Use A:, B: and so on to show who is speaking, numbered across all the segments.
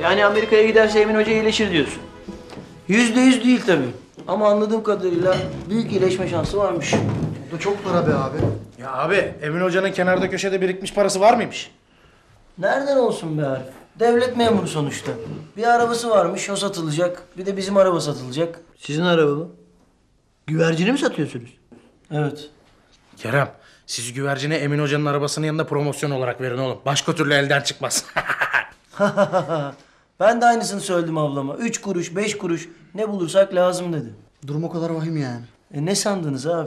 A: Yani Amerika'ya giderse Emin Hoca iyileşir diyorsun. %100 değil tabii. Ama anladığım kadarıyla büyük iyileşme şansı varmış.
B: Bu da çok para be abi.
C: Ya abi Emin Hoca'nın kenarda köşede birikmiş parası var mıymış?
A: Nereden olsun be Arif? Devlet memuru sonuçta. Bir arabası varmış, o satılacak. Bir de bizim araba satılacak. Sizin araba mı? Güvercini mi satıyorsunuz? Evet.
C: Kerem, siz güvercine Emin Hoca'nın arabasının yanında promosyon olarak verin oğlum. Başka türlü elden çıkmaz.
A: Ben de aynısını söyledim ablama. 3 kuruş, 5 kuruş ne bulursak lazım dedi.
B: Durum o kadar vahim yani.
A: Ne sandınız abi?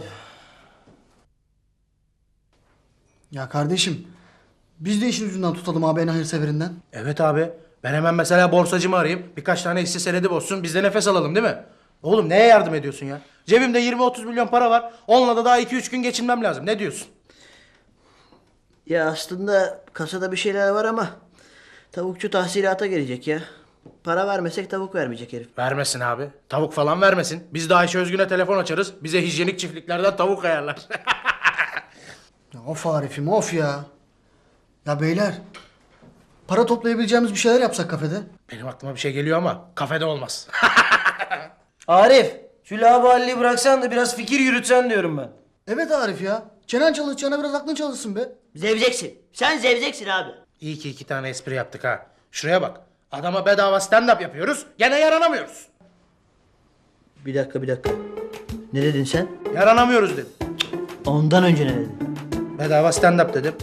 B: Ya kardeşim, biz de işin ucundan tutalım abi en hayırseverinden.
C: Evet abi. Ben hemen mesela borsacımı arayayım. Birkaç tane hisse senedi bozsun. Biz de nefes alalım değil mi? Oğlum neye yardım ediyorsun ya? Cebimde 20-30 milyon para var. Onunla da daha 2-3 gün geçinmem lazım. Ne diyorsun?
A: Ya aslında kasada bir şeyler var ama tavukçu tahsilata gelecek ya. Para vermesek tavuk vermeyecek herif.
C: Vermesin abi. Tavuk falan vermesin. Biz de Ayşe Özgün'e telefon açarız. Bize hijyenik çiftliklerden tavuk ayarlar.
B: Ya of Arif'im of ya. Ya beyler, para toplayabileceğimiz bir şeyler yapsak kafede.
C: Benim aklıma bir şey geliyor ama kafede olmaz.
A: Arif, şu laubaliyi bıraksan da biraz fikir yürütsen diyorum ben.
B: Evet Arif ya. Çenen çalışacağına biraz aklın çalışsın be.
A: Zevzeksin. Sen zevzeksin abi.
C: İyi ki 2 tane espri yaptık ha. Şuraya bak. Adama bedava stand-up yapıyoruz. Gene yaranamıyoruz.
A: Bir dakika. Ne dedin sen?
C: Yaranamıyoruz dedim.
A: Ondan önce ne dedin?
C: Bedava stand-up dedim.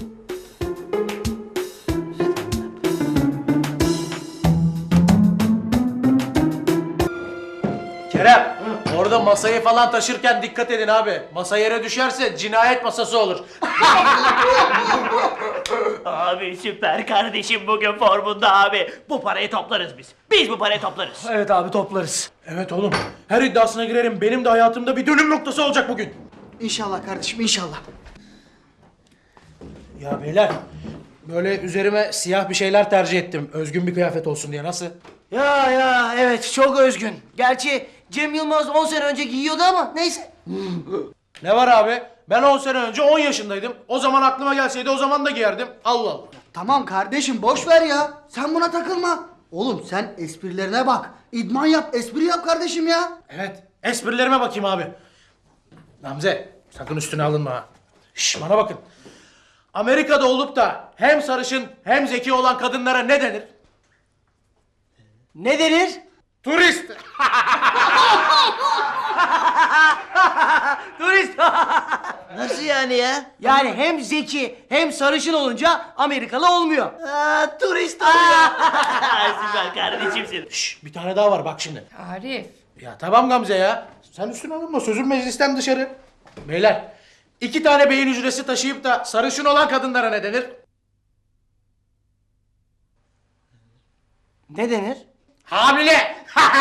C: Kerem, orada masayı falan taşırken dikkat edin abi. Masa yere düşerse cinayet masası olur.
D: Abi süper kardeşim bugün formunda abi. Bu parayı toplarız biz. Biz bu parayı toplarız.
A: Evet abi toplarız.
C: Evet oğlum, her iddiasına girerim. Benim de hayatımda bir dönüm noktası olacak bugün.
B: İnşallah kardeşim inşallah.
C: Ya beyler, böyle üzerime siyah bir şeyler tercih ettim. Özgün bir kıyafet olsun diye. Nasıl?
A: Ya evet çok özgün. Gerçi Cem Yılmaz 10 sene önce giyiyordu ama neyse.
C: Ne var abi? Ben 10 sene önce 10 yaşındaydım. O zaman aklıma gelseydi o zaman da giyerdim. Allah Allah.
B: Tamam kardeşim boş ver ya. Sen buna takılma. Oğlum sen esprilerine bak. İdman yap, espri yap kardeşim ya.
C: Evet, esprilerime bakayım abi. Gamze, sakın üstüne alınma ha. Şş, bana bakın. Amerika'da olup da hem sarışın hem zeki olan kadınlara ne denir?
A: Ne denir?
C: Turist.
A: Turist. Nasıl yani ya? Yani hem zeki hem sarışın olunca Amerikalı olmuyor. Turist oluyor.
D: Süper kardeşimsin.
C: Şş, bir tane daha var bak şimdi.
E: Arif.
C: Ya tamam Gamze ya. Sen üstüne alınma, sözüm meclisten dışarı. Beyler, 2 tane beyin hücresi taşıyıp da sarışın olan kadınlara ne denir?
A: Ne denir?
C: Hamile.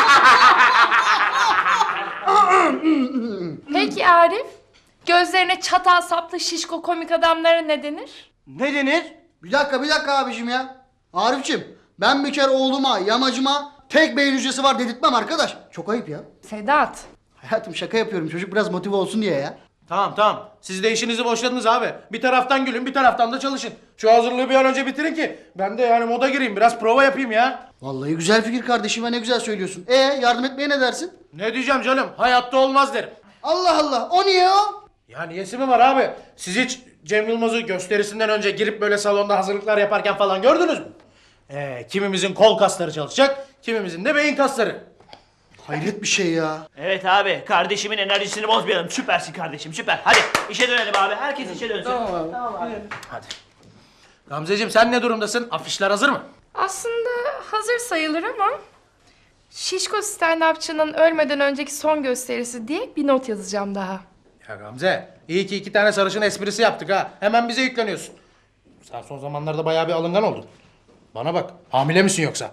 E: Peki Arif? Gözlerine çatal saplı şişko komik adamlara ne denir?
A: Ne denir?
B: Bir dakika abicim ya. Arifçim, ben bir kere oğluma, yamacıma tek beyin hücresi var dedirtmem arkadaş. Çok ayıp ya.
E: Sedat.
B: Hayatım şaka yapıyorum. Çocuk biraz motive olsun diye ya.
C: Tamam. Siz de işinizi boşladınız abi. Bir taraftan gülün, bir taraftan da çalışın. Şu hazırlığı bir an önce bitirin ki ben de yani moda gireyim, biraz prova yapayım ya.
B: Vallahi güzel fikir kardeşim ve ne güzel söylüyorsun. Yardım etmeye ne dersin?
C: Ne diyeceğim canım? Hayatta olmaz derim.
B: Allah Allah, o niye o?
C: Ya niyesi mi var abi? Siz hiç Cem Yılmaz'ı gösterisinden önce girip böyle salonda hazırlıklar yaparken falan gördünüz mü? Kimimizin kol kasları çalışacak, kimimizin de beyin kasları.
B: Hayret bir şey ya.
D: Evet abi kardeşimin enerjisini bozmayalım. Süpersin kardeşim süper. Hadi işe dönelim abi. Herkes işe dönsün. Tamam abi.
C: Hadi. Gamzeciğim sen ne durumdasın? Afişler hazır mı?
E: Aslında hazır sayılır ama... Şişko stand-upçının ölmeden önceki son gösterisi diye bir not yazacağım daha.
C: Ya Gamze, iyi ki 2 tane sarışın esprisi yaptık ha. Hemen bize yükleniyorsun. Sen son zamanlarda bayağı bir alıngan oldun. Bana bak, hamile misin yoksa?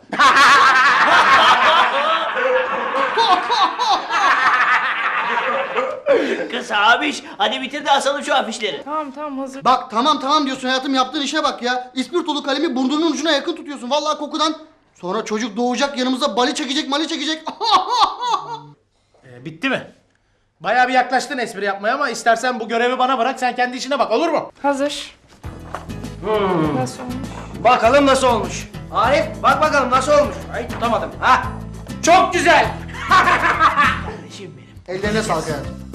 D: Kız abiş hadi bitir de asalım şu afişleri.
E: Tamam hazır.
B: Bak tamam diyorsun hayatım, yaptığın işe bak ya. İspirtolu kalemi burnunun ucuna yakın tutuyorsun. Vallahi kokudan. Sonra çocuk doğacak yanımıza mali çekecek.
C: Bitti mi? Bayağı bir yaklaştın espri yapmaya ama istersen bu görevi bana bırak, sen kendi işine bak, olur mu?
E: Hazır. Nasıl olmuş?
A: Bakalım nasıl olmuş. Arif bak bakalım nasıl olmuş. Ay tutamadım. Ha.
C: Çok güzel.
D: Kardeşim benim.
B: Ellerine sağlık hayatım.